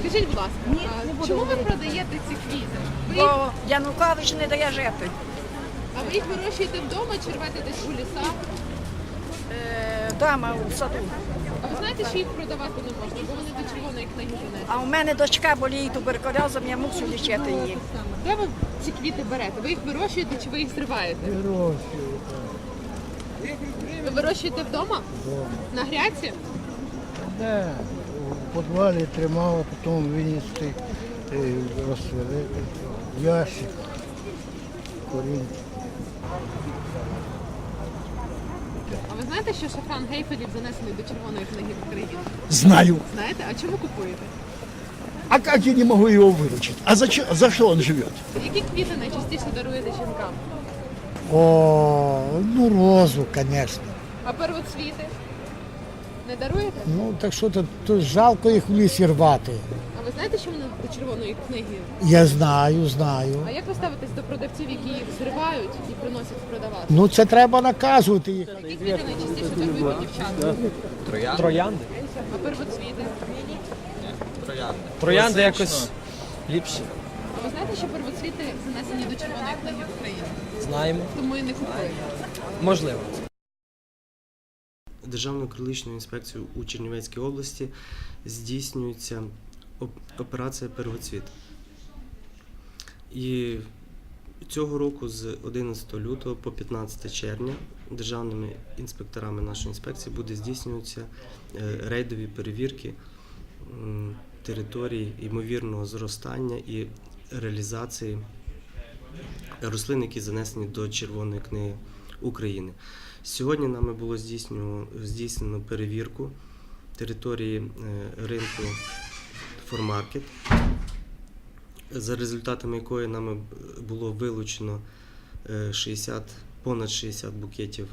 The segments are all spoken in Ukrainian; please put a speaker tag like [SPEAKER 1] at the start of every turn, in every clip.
[SPEAKER 1] Скажіть, будь ласка, чому ви продаєте ці квіти?
[SPEAKER 2] Бо Янукович не дає жити.
[SPEAKER 1] А ви їх вирощуєте вдома чи рвете десь у лісах?
[SPEAKER 2] Дома у саду.
[SPEAKER 1] А ви знаєте, що їх продавати не можна, бо вони до червоної книги занесені?
[SPEAKER 2] А у мене дочка боліє туберкульозом, я мушу лічити її.
[SPEAKER 1] Де ви ці квіти берете? Ви їх вирощуєте чи ви їх зриваєте?
[SPEAKER 3] Вирощую.
[SPEAKER 1] Ви вирощуєте вдома?
[SPEAKER 3] Дома.
[SPEAKER 1] На грядці?
[SPEAKER 3] Де? У підвалі тримав, а потім винести, розсвелити. Ящик, корінь.
[SPEAKER 1] А ви знаєте, що шафран Гейфелів занесений до червоної книги України?
[SPEAKER 4] Знаю.
[SPEAKER 1] Знаєте? А чому купуєте?
[SPEAKER 4] А как я не могу его выручить? А за что он живет?
[SPEAKER 1] Які квіти найчастіше даруєте жінкам?
[SPEAKER 5] О, ну розу, конечно.
[SPEAKER 1] А первоцвіти? Не даруєте?
[SPEAKER 5] Ну так що то жалко їх в лісі рвати.
[SPEAKER 1] А ви знаєте, що вони до червоної книги?
[SPEAKER 5] Я знаю.
[SPEAKER 1] А як ви ставитесь до продавців, які їх зривають і приносять продавати?
[SPEAKER 5] Ну це треба наказувати їх.
[SPEAKER 1] Які квіти найчастіше дарують дівчата?
[SPEAKER 6] Троянди.
[SPEAKER 1] А первоцвіти?
[SPEAKER 6] Троянди якось ліпші.
[SPEAKER 1] А ви знаєте, що первоцвіти занесені до червоної книги України?
[SPEAKER 6] Знаємо.
[SPEAKER 1] Тому і не купуєте.
[SPEAKER 6] Можливо.
[SPEAKER 7] Державною екологічною інспекцією у Чернівецькій області здійснюється операція «Первоцвіт». І цього року з 11 лютого по 15 червня державними інспекторами нашої інспекції буде здійснюватися рейдові перевірки території ймовірного зростання і реалізації рослин, які занесені до Червоної книги України. Сьогодні нами було здійснено перевірку території ринку Формаркет, за результатами якої нами було вилучено понад 60 букетів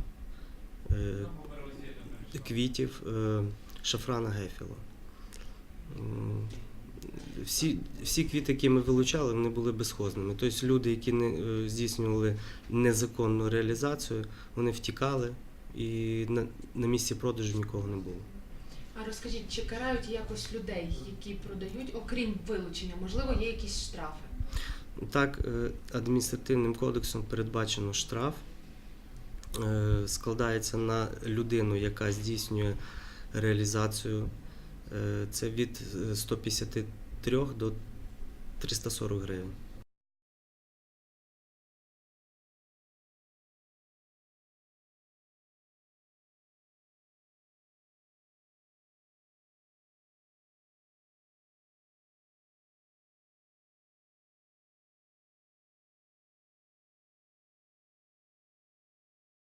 [SPEAKER 7] квітів шафрана Гейфела. Всі квіти, які ми вилучали, вони були безхозними. Тобто люди, які не здійснювали незаконну реалізацію, вони втікали і на місці продажу нікого не було.
[SPEAKER 8] А розкажіть, чи карають якось людей, які продають, окрім вилучення? Можливо, є якісь штрафи?
[SPEAKER 7] Так, адміністративним кодексом передбачено штраф. Складається на людину, яка здійснює реалізацію. Це від 153 до 340 гривень.